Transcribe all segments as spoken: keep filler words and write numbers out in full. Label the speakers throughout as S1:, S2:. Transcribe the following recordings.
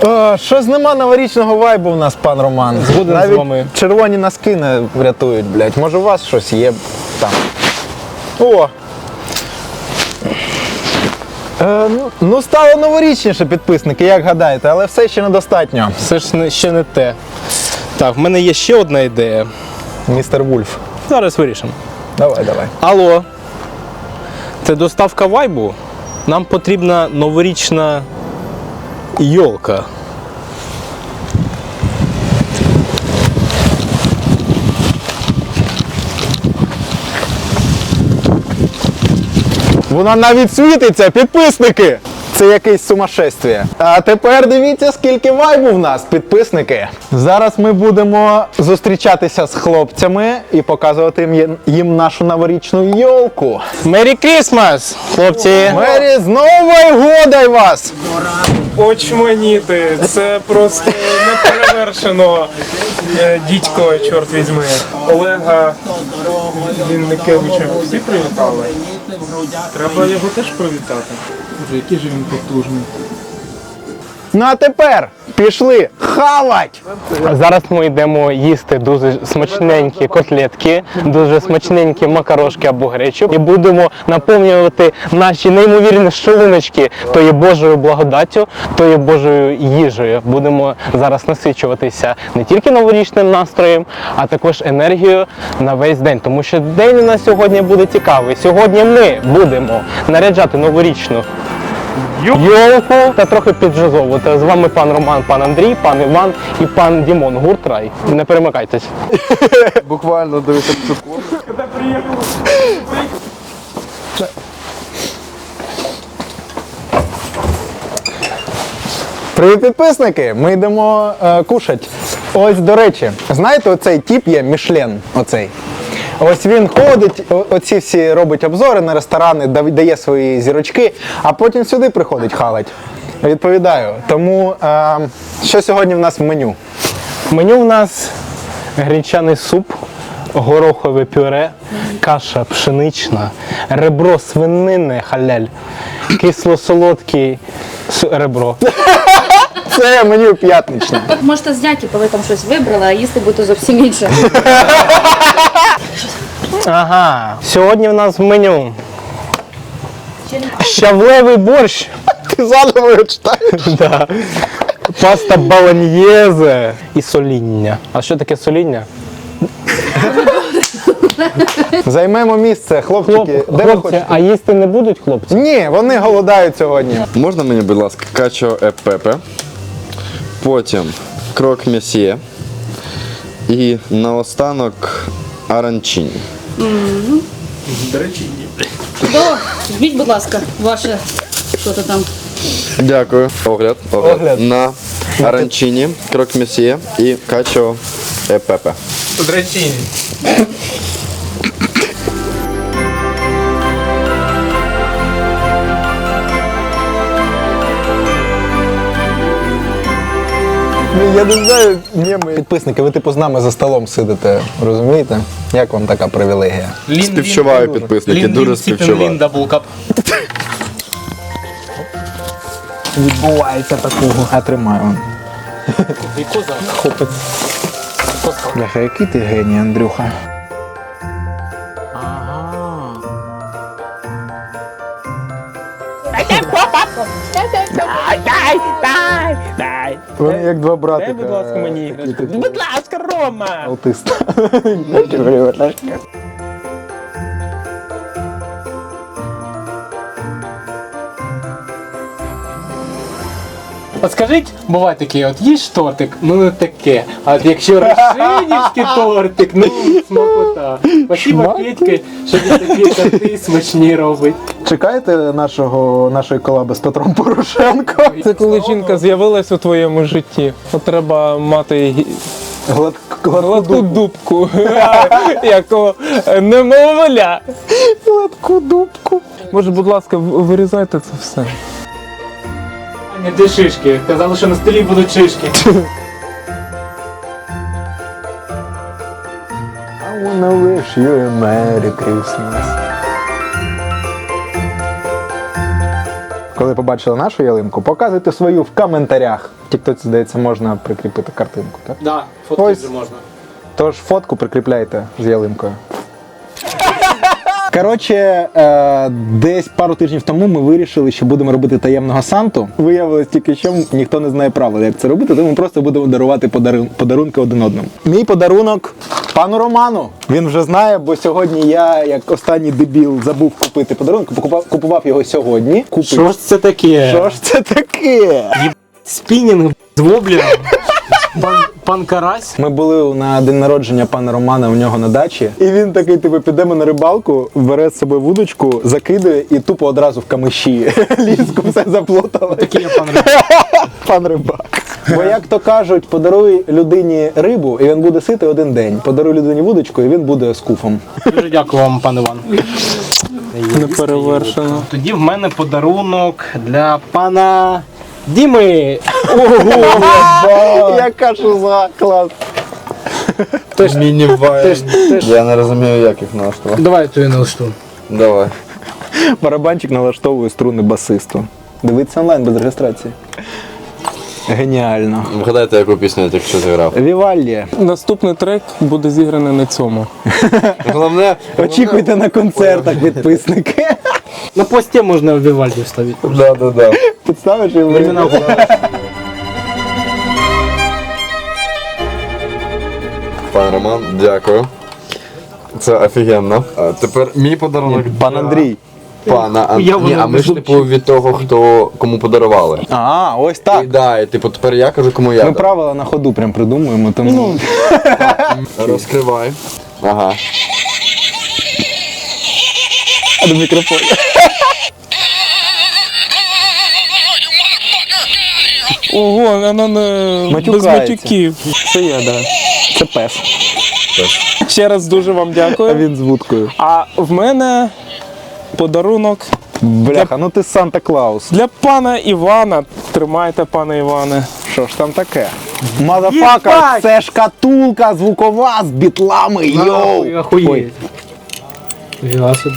S1: О, щось нема новорічного вайбу в нас, пан Роман.
S2: Згоден
S1: Навіть
S2: з вами.
S1: червоні носки не врятують, блядь. Може у вас щось є там. О! Е, ну, ну, стало новорічніше, підписники, як гадаєте, але все ще недостатньо.
S2: Все ж не, ще не те. Так, в мене є ще одна ідея.
S1: Містер Вульф.
S2: Зараз вирішимо.
S1: Давай, давай.
S2: Алло. Це доставка вайбу? Нам потрібна новорічна йолка.
S1: Вона навіть світиться, підписники! Це якесь сумасшествие. А тепер дивіться, скільки вайбу в нас, підписники. Зараз ми будемо зустрічатися з хлопцями і показувати їм, їм нашу новорічну йолку.
S2: Мері Крісмас, хлопці!
S1: Мері, з Новою годою вас!
S3: Очманіти, це просто неперевершено. Е, Дідько, чорт візьми. Олега Вінникевича всі привітали? Треба його теж привітати. Боже, який же він потужний.
S1: Ну а тепер пішли хавать!
S2: Зараз ми йдемо їсти дуже смачненькі котлетки, дуже смачненькі макарошки або гречу. І будемо наповнювати наші неймовірні шлуночки тою Божою благодаттю, тою Божою їжею. Будемо зараз насичуватися не тільки новорічним настроєм, а також енергією на весь день. Тому що день у нас сьогодні буде цікавий. Сьогодні ми будемо наряджати новорічну йолку та трохи піджазовувати. З вами пан Роман, пан Андрій, пан Іван і пан Дімон. Гурт Рай. Не перемикайтесь.
S4: Буквально дивиться цукор.
S1: Привіт, підписники! Ми йдемо е, кушать. Ось, до речі, знаєте, оцей тип є, Мішлен, оцей. Ось він ходить, о- оці всі робить обзори на ресторани, да- дає свої зірочки, а потім сюди приходить хавать. Відповідаю. Тому, е, що сьогодні в нас в меню?
S2: Меню в нас гречаний суп, горохове пюре, каша пшенична, ребро свинини халяль, кисло-солодкий с- ребро.
S1: Це меню п'ятничне.
S5: Можете зняти, коли там щось вибрали, а їсти буде зовсім інше.
S2: Ага, сьогодні в нас в меню щавлевий борщ,
S1: Ти заново читаєш?
S2: да. Паста баланьєзе і соління. А що таке соління?
S1: Займемо місце, хлопчики.
S2: Хлоп,
S1: Де ви
S2: хлопці,
S1: хочете?
S2: а їсти не будуть хлопці?
S1: Ні, вони голодають сьогодні.
S4: Можна мені, будь ласка, качо е пепе, потім крок м'ясьє і наостанок аранчині.
S5: То, візьміть, будь ласка, ваше, що то там.
S4: Дякую. Огляд. Огляд.
S1: Огляд.
S4: На аранчині, крок м'ясьє і качо е пепе.
S3: Драчині.
S1: Ну, я не знаю, меми. Підписники, ви типу з нами за столом сидите, розумієте? Як вам така привілегія?
S4: Співчуваю, підписники, дуже співчуваю.
S2: Лін даблкап.
S1: Відбувається такого. Я тримаю.
S2: Хлопець.
S1: Бляха, який ти геній, Андрюха.
S2: Дай, дай, дай.
S1: Вони як два братика.
S2: Дай, будь ласка, мені
S1: такі,
S2: іграшку.
S1: типу,
S2: Будь ласка, Рома!
S1: аутист.
S2: От скажіть, буває таке, от їж тортик, ну не таке. А от якщо рашинівський тортик, ну смакота. Спасибо, Петьки, що ти такі торти смачні робить.
S1: Чекаєте нашого, нашої колаби з Петром Порошенко?
S3: Це коли жінка з'явилась у твоєму житті, от треба мати гі-
S1: Глад...
S3: гладку дубку, якого немовля.
S1: Гладку дубку.
S3: Може, будь ласка, в- вирізайте це все.
S2: Не де шишки, казали, що на столі будуть шишки.
S1: I wanna wish you a Merry Christmas. коли побачили нашу ялинку, показуйте свою в коментарях. В тіктоці, здається, можна прикріпити картинку, так?
S2: Да, фотки
S1: Ось.
S2: вже можна.
S1: Тож фотку прикріпляйте з ялинкою. Коротше, е, десь пару тижнів тому ми вирішили, що будемо робити таємного Санту. Виявилось тільки, що ніхто не знає правил, як це робити, тому ми просто будемо дарувати подарун- подарунки один одному. Мій подарунок пану Роману. Він вже знає, бо сьогодні я, як останній дебіл, забув купити подарунок, купував, купував його сьогодні. Купив.
S2: Що ж це таке?
S1: Що ж це таке?
S2: Спінінг з воблером. Пан, пан Карась.
S1: Ми були на день народження пана Романа у нього на дачі, і він такий, типу, підемо на рибалку, бере з собою вудочку, закидує і тупо одразу в камиші. Ліску все заплутали.
S2: Такий я пан Карась.
S1: Пан рибак. Бо як то кажуть, подаруй людині рибу, і він буде сити один день. Подаруй людині вудочку, і він буде з куфом.
S2: Дуже дякую вам, пан Іван.
S3: Не перевершено.
S2: Тоді в мене подарунок для пана Діми.
S1: Яка шуза, клас.
S4: Міні-вайн. Я не розумію, як їх налаштувати.
S2: Давай твою налашту.
S4: Давай.
S1: Барабанчик налаштовує струни басисту. Дивиться онлайн без реєстрації. Геніально.
S4: Вгадайте, яку пісню я тільки що зіграв.
S1: Вівальді.
S3: Наступний трек буде зіграний на цьому.
S4: Головне,
S1: Очікуйте на концертах, підписники.
S2: На пості можна в Вівальді вставити.
S4: да, да, да.
S1: Підставиш і
S2: Імена
S4: Пан Роман, дякую. Це офігенно. А тепер мій подарунок.
S1: Пан Андрій.
S4: Пана Ан-
S2: Я
S4: Ні, а ми ж
S2: воно
S4: типу від того, хто кому подарували.
S1: А, ось
S4: І
S1: так.
S4: да, і типу тепер я кажу, кому я.
S1: Ми
S4: дам.
S1: правила на ходу прям придумуємо, тому...
S4: Розкривай. Ага.
S1: До мікрофону.
S3: Ого, вона не без
S1: Матюкається.
S3: матюків.
S1: Це я, да. Це пес.
S3: Ще раз дуже вам
S1: А
S3: дякую.
S1: він з вудкою.
S3: А в мене подарунок
S1: Бляха, ну ти Санта-Клаус.
S3: для пана Івана. Тримайте, пане Іване.
S1: Що ж там таке? Мазафака, це шкатулка звукова з бітлами, йоу!
S2: Охуєть. Віла собі.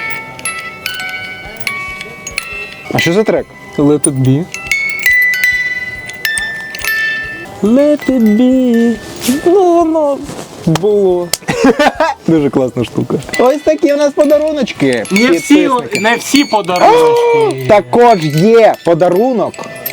S1: А що за трек?
S3: Let it be. Let it be. Ну, воно було.
S1: Дуже класна штука. Ось такі у нас подаруночки.
S2: Не всі,
S1: підписники.
S2: не всі подарунки.
S1: Також є подарунок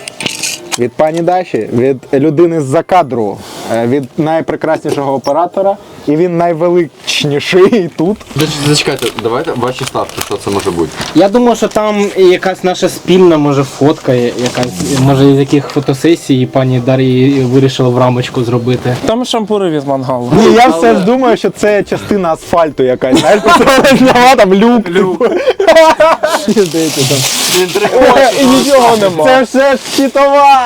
S1: від пані Даші, від людини з-за кадру, е, від найпрекраснішого оператора, і він найвеличніший тут.
S4: Зачекайте, давайте ваші ставки, що це може бути.
S2: Я думаю, що там якась наша спільна, може, фотка, якась, може, з яких фотосесій пані Дар'ї вирішила в рамочку зробити.
S3: Там шампури від мангалу.
S1: Ні, я все ж думаю, що це частина асфальту якась. Знаєш, просто зняла там люк. Люк. Здається, там.
S3: І нічого нема.
S1: Це все ж щитова.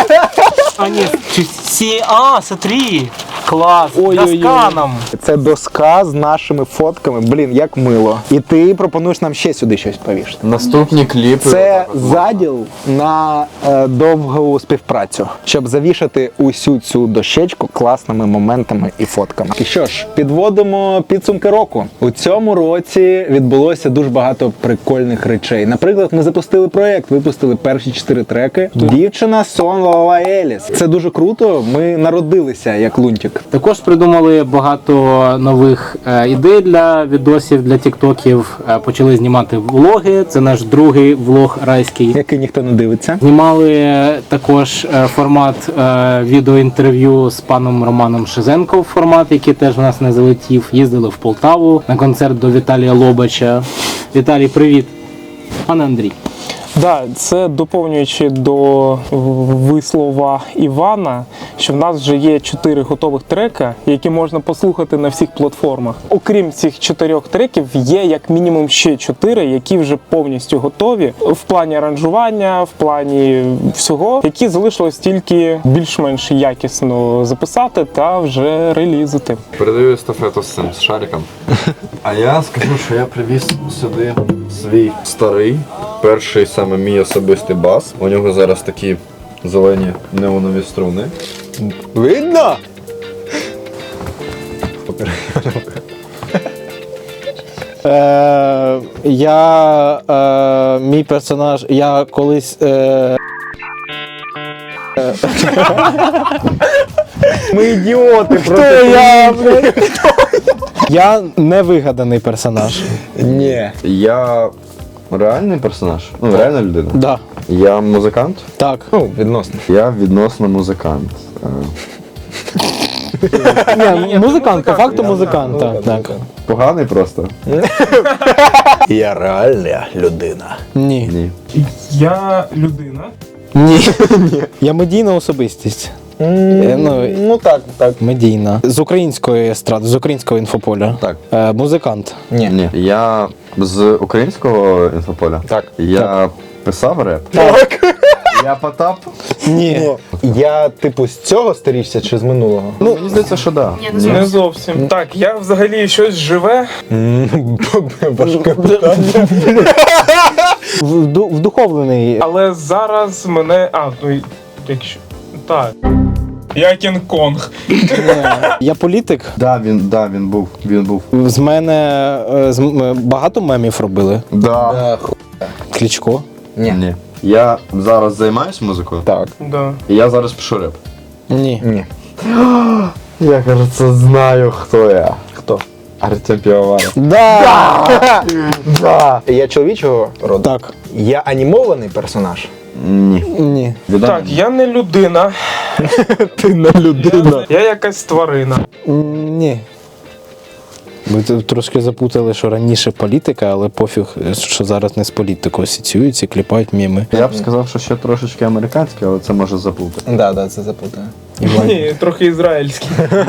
S2: А, ні, чи всі, а, смотри, клас,
S3: Ой-ой-ой.
S2: досканом.
S1: Це доска з нашими фотками. Блін, як мило. І ти пропонуєш нам ще сюди щось повішати.
S4: Наступні кліпи.
S1: Це заділ на е, довгу співпрацю, щоб завішати усю цю дощечку класними моментами і фотками. І що ж, підводимо підсумки року. У цьому році відбулося дуже багато прикольних речей. Наприклад, ми запустили проєкт, випустили перші чотири треки. Дівчина Сон Лала Еліс. Це дуже круто. Ми народилися як лунтик.
S2: Також придумали багато нових е, ідей для відосів, для тіктоків. Е, почали знімати влоги. Це наш другий влог райський.
S1: Який ніхто не дивиться.
S2: Знімали е, також е, формат е, відеоінтерв'ю з паном Романом Шизенко, формат, який теж в нас не залетів. Їздили в Полтаву на концерт до Віталія Лобача. Віталій, привіт. Пане Андрій.
S3: Да, це доповнюючи до вислова Івана, що в нас вже є чотири готових трека, які можна послухати на всіх платформах. Окрім цих чотирьох треків, є як мінімум ще чотири, які вже повністю готові в плані аранжування, в плані всього, які залишилось тільки більш-менш якісно записати та вже релізити.
S4: Передаю естафету з цим з шариком. А я скажу, що я привіз сюди свій старий, перший саме мій особистий бас. У нього зараз такі зелені неонові струни.
S6: Е, я, е, мій персонаж, я колись. Е,
S1: Ми ідіоти,
S6: Хто я, блядь? Я невигаданий персонаж.
S1: Ні.
S4: Я реальний персонаж? Ну, реальна людина.
S6: Да.
S4: Я музикант?
S6: Так.
S1: Ну, відносно.
S4: Я відносно музикант. Е,
S6: Ні, музикант, по факту музикант. Так, так.
S4: Поганий просто?
S1: Я реальна людина.
S6: Ні.
S4: Ні.
S3: Я людина.
S6: Ні. Я медійна особистість. Е, ну,
S1: Ну так, так.
S6: медійна. З української естради, з українського інфополя.
S4: Так.
S6: Е, музикант.
S1: Ні.
S4: Ні. Я з українського інфополя?
S1: Так.
S4: Я писав реп?
S1: Так.
S4: Я Потап?
S6: Ні.
S1: Я, типу, з цього сторіччя чи з минулого?
S4: Ну, мені здається, що да.
S3: Не зовсім. Так, я взагалі щось живе.
S1: Важке питання.
S6: Вду- Вдуховлений.
S3: Але зараз мене. А, ну і- якщо. Так. Я Кінг-Конг.
S6: Я політик.
S4: Да, він, да, він був. Він був.
S6: З мене е, з м- багато мемів робили.
S4: Да.
S6: Кличко.
S1: Ні.
S4: Ні. Я зараз займаюся музикою.
S1: Так.
S3: Да.
S4: І я зараз пишу реп.
S6: Ні.
S1: Ні.
S4: Я, кажется, знаю, хто я.
S1: Хто?
S4: Артем Півоваров.
S6: Да!
S1: Да. Я чоловічого роду.
S6: Так.
S1: Я анімований персонаж.
S4: Ні.
S6: Ні.
S3: Так, я не людина.
S1: Ти не людина.
S3: Я якась тварина.
S6: Ні. Ви тут трошки запутали, що раніше політика, але пофіг, що зараз не з політикою асоціюються, кліпають меми.
S4: Я б сказав, що ще трошечки американське, але це може заплутати.
S1: Да, да, це запутає.
S3: Ні, трохи ізраїльський.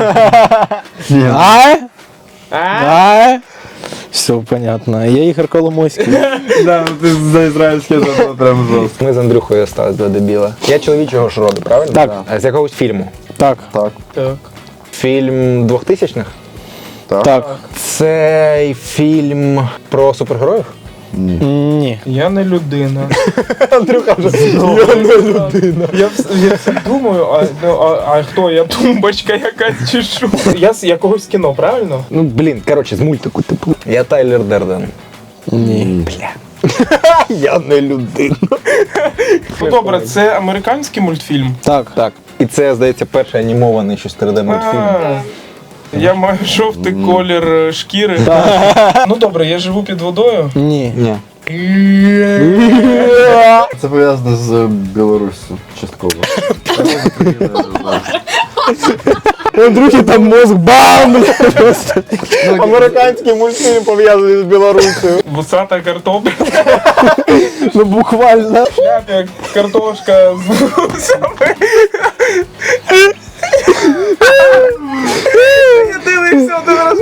S6: А? А? Все понятно. Я Ігор Коломойський.
S4: Да, ти за ізраїльське заплутав прям жорстко.
S1: Ми з Андрюхою остались два дебіла. Я чоловічого ж роду, правильно?
S6: Так.
S1: А з якогось фільму.
S6: Так.
S4: Так.
S3: Так.
S1: Фільм двохтисячних?
S4: Так.
S6: Так.
S1: Цей фільм про супергероїв?
S6: Ні.
S3: Я не людина.
S1: Андрюха вже я не людина.
S3: Я, вс- я все думаю, а, ну, а, а хто я тумбочка якась чи що? Я з якогось кіно, правильно?
S1: Ну, блін, коротше, з мультику, типу. Я Тайлер Дерден.
S6: Ні.
S1: Бля. Я не людина.
S3: Ну добре, це американський мультфільм.
S6: Так.
S1: Так. І це, здається, перший анімований щось три Д мультфільм.
S3: А, Я маю жовтий колір е, шкіри. Ну добре, я живу під водою.
S6: Ні.
S1: Ні.
S4: Це пов'язано з Білоруссю частково.
S6: Андрюхи там мозг бам!
S1: Американський мультфільм пов'язаний з Білорусією.
S3: Вусата картопля.
S6: Ну буквально.
S3: Шляп, як картошка з вусами. Я дивився один раз.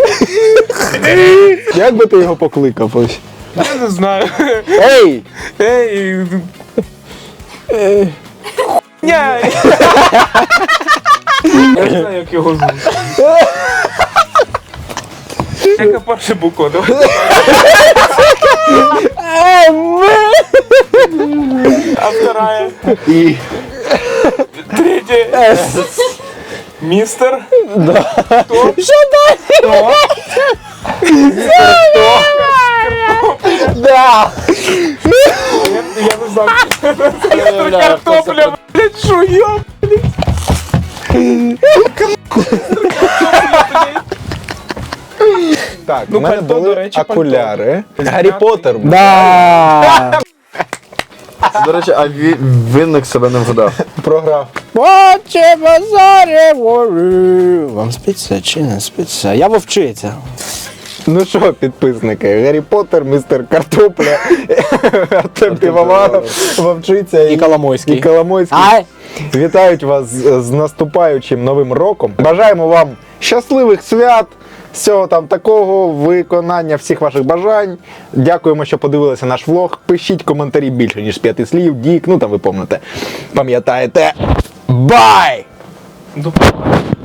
S1: Як би ти його покликав ось?
S3: Я не знаю.
S1: Ей!
S3: Ей. Ня. Я не знаю, як його звуть. Яка перша буква? Давай. А вторая?
S4: І
S3: Третья? Мистер? Да. Кто? Что Кто?
S1: Да!
S3: Я, я не знаю. Мистер картопля, блядь, шо я?
S1: Так,
S3: Ну,
S1: у мене
S3: пальто,
S1: були
S3: до речі, пальто.
S1: окуляри. Гаррі Поттер.
S6: Да.
S4: до речі, а ві- винник себе не вгадав.
S1: Програв.
S6: Отче базаре вори. Вам спиться чи не спиться? Я вовчиця.
S1: Ну що, підписники, Гаррі Поттер, містер Картопля, Артем Півоваров, Вовчиця
S6: І Коломойський.
S1: І Коломойський.
S6: Ай!
S1: Вітають вас з з наступаючим новим роком. Бажаємо вам щасливих свят, всього там такого, виконання всіх ваших бажань. Дякуємо, що подивилися наш влог. Пишіть коментарі більше, ніж з п'яти слів, дік, ну там ви помните. Пам'ятаєте. Бай!
S3: До побачення.